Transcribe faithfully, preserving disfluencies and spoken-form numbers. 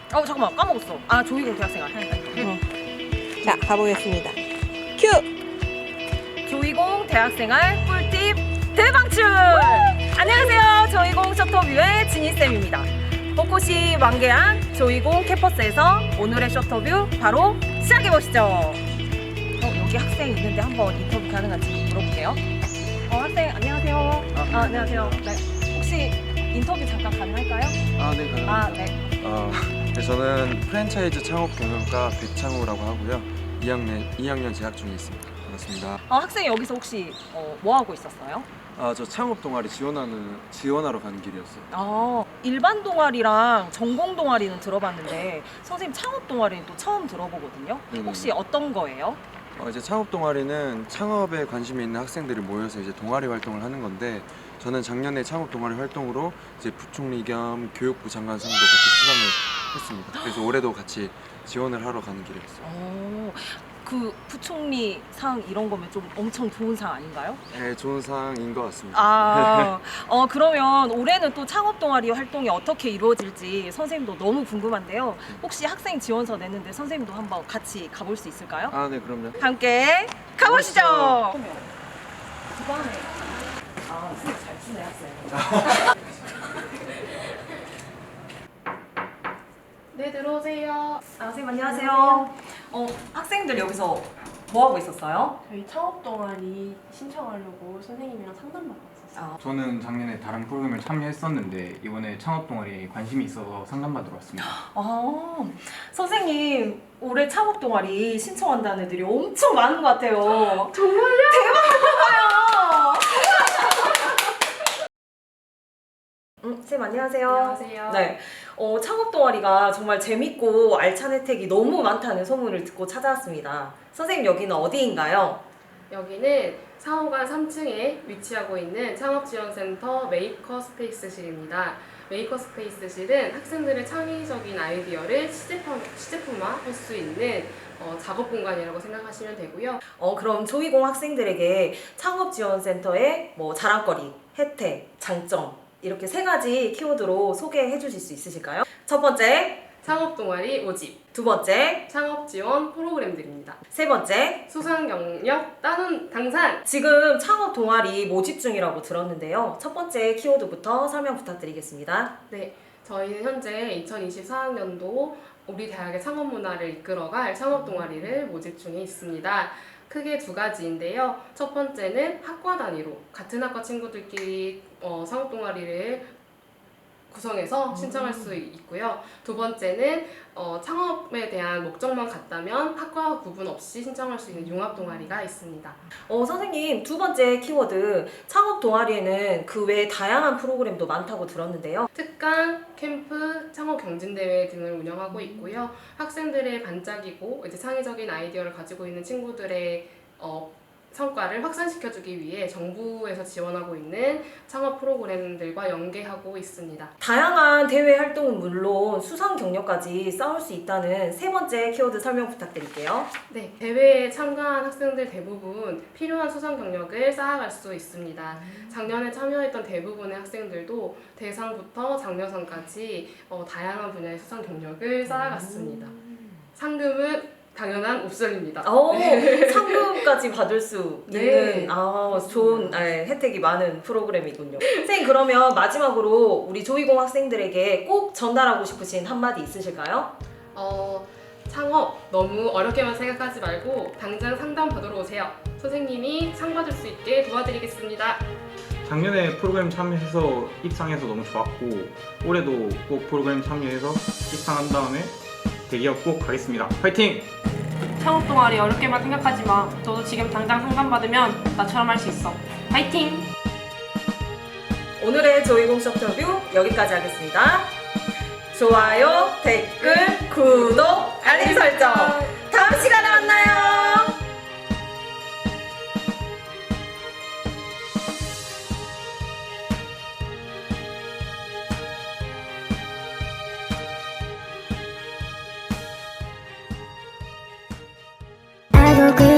어 잠깐만 까먹었어. 아 조이공 대학생활. 어. 자, 가보겠습니다. 큐! 조이공 대학생활 꿀팁 대방출! 안녕하세요. 조이공 셔터뷰의 지니쌤입니다. 벚꽃이 만개한 조이공 캠퍼스에서 오늘의 셔터뷰 바로 시작해보시죠. 어, 여기 학생 있는데 한번 인터뷰 가능한지 물어볼게요. 어, 학생 안녕하세요. 아, 아, 안녕하세요. 네. 혹시 인터뷰 잠깐 가능할까요? 아, 네, 가능합니다. 아, 네. 아, 네, 저는 프랜차이즈 창업 경영과 백창우라고 하고요. 이 학년, 이 학년 재학 중에 있습니다. 반갑습니다. 어, 학생 여기서 혹시 어, 뭐 하고 있었어요? 아, 저 창업 동아리 지원하는, 지원하러 가는 길이었어요. 아, 일반 동아리랑 전공 동아리는 들어봤는데 선생님 창업 동아리는 또 처음 들어보거든요. 네네. 혹시 어떤 거예요? 어, 이제 창업 동아리는 창업에 관심이 있는 학생들이 모여서 이제 동아리 활동을 하는 건데, 저는 작년에 창업 동아리 활동으로 이제 부총리 겸 교육부 장관상도 같이 수상을 했습니다. 그래서 올해도 같이 지원을 하러 가는 길이었어요. 어, 그 부총리 상 이런 거면 좀 엄청 좋은 상 아닌가요? 네, 좋은 상인 것 같습니다. 아, 어 그러면 올해는 또 창업 동아리 활동이 어떻게 이루어질지 선생님도 너무 궁금한데요. 혹시 학생 지원서 냈는데 선생님도 한번 같이 가볼 수 있을까요? 아, 네, 그럼요. 함께 가보시죠. 가보시죠. 두번에 아, 수업 잘 추네 학생. 네, 들어오세요. 아, 선생님 안녕하세요. 어, 학생들 여기서 뭐 하고 있었어요? 저희 창업 동아리 신청하려고 선생님이랑 상담받고 있었어요. 아, 저는 작년에 다른 프로그램을 참여했었는데 이번에 창업 동아리에 관심이 있어서 상담받으러 왔습니다. 아, 선생님 올해 창업 동아리 신청한다는 애들이 엄청 많은 것 같아요. 정말요? 대박이에요. 음, 선생님 안녕하세요. 안녕하세요. 네, 어, 창업 동아리가 정말 재밌고 알찬 혜택이 너무 많다는 소문을 듣고 찾아왔습니다. 선생님 여기는 어디인가요? 여기는 사호관 삼 층에 위치하고 있는 창업지원센터 메이커 스페이스실입니다. 메이커 스페이스실은 학생들의 창의적인 아이디어를 시제품, 시제품화할 수 있는 어, 작업 공간이라고 생각하시면 되고요. 어, 그럼 조이공 학생들에게 창업지원센터의 뭐 자랑거리, 혜택, 장점 이렇게 세 가지 키워드로 소개해 주실 수 있으실까요? 첫 번째, 창업 동아리 모집, 두 번째, 창업 지원 프로그램들입니다. 세 번째. 수상 경력 따는 당산. 지금 창업 동아리 모집 중이라고 들었는데요. 첫 번째 키워드부터 설명 부탁드리겠습니다. 네, 저희는 현재 이천이십사 학년도 우리 대학의 창업 문화를 이끌어갈 창업 동아리를 모집 중에 있습니다. 크게 두 가지인데요. 첫 번째는 학과 단위로 같은 학과 친구들끼리 어, 창업 동아리를 구성해서 신청할 수 있고요. 두 번째는 어, 창업에 대한 목적만 같다면 학과 구분 없이 신청할 수 있는 융합 동아리가 있습니다. 어, 선생님 두 번째 키워드 창업 동아리에는 그 외에 다양한 프로그램도 많다고 들었는데요. 특강, 캠프, 창업 경진대회 등을 운영하고 있고요. 학생들의 반짝이고 이제 창의적인 아이디어를 가지고 있는 친구들의 어, 성과를 확산시켜주기 위해 정부에서 지원하고 있는 창업 프로그램들과 연계하고 있습니다. 다양한 대외 활동은 물론 수상 경력까지 쌓을 수 있다는 세 번째 키워드 설명 부탁드릴게요. 네, 대회에 참가한 학생들 대부분 필요한 수상 경력을 쌓아갈 수 있습니다. 작년에 참여했던 대부분의 학생들도 대상부터 장려상까지 어, 다양한 분야의 수상 경력을 쌓아갔습니다. 상금은 당연한 옵션입니다. 오, 상금까지 받을 수 네. 있는 아, 좋은 네, 혜택이 많은 프로그램이군요. 선생님 그러면 마지막으로 우리 조이공 학생들에게 꼭 전달하고 싶으신 한마디 있으실까요? 어, 창업 너무 어렵게만 생각하지 말고 당장 상담 받으러 오세요. 선생님이 상 받을 수 있게 도와드리겠습니다. 작년에 프로그램 참여해서 입상해서 너무 좋았고 올해도 꼭 프로그램 참여해서 입상한 다음에 대기업 꼭 가겠습니다. 화이팅! 창업 동아리 어렵게만 생각하지 마. 너도 지금 당장 상담 받으면 나처럼 할 수 있어. 파이팅! 오늘의 조이공 셔터뷰 여기까지 하겠습니다. 좋아요, 댓글, 구독, 알림 설정. 다음 시간에 만나요. 알고 그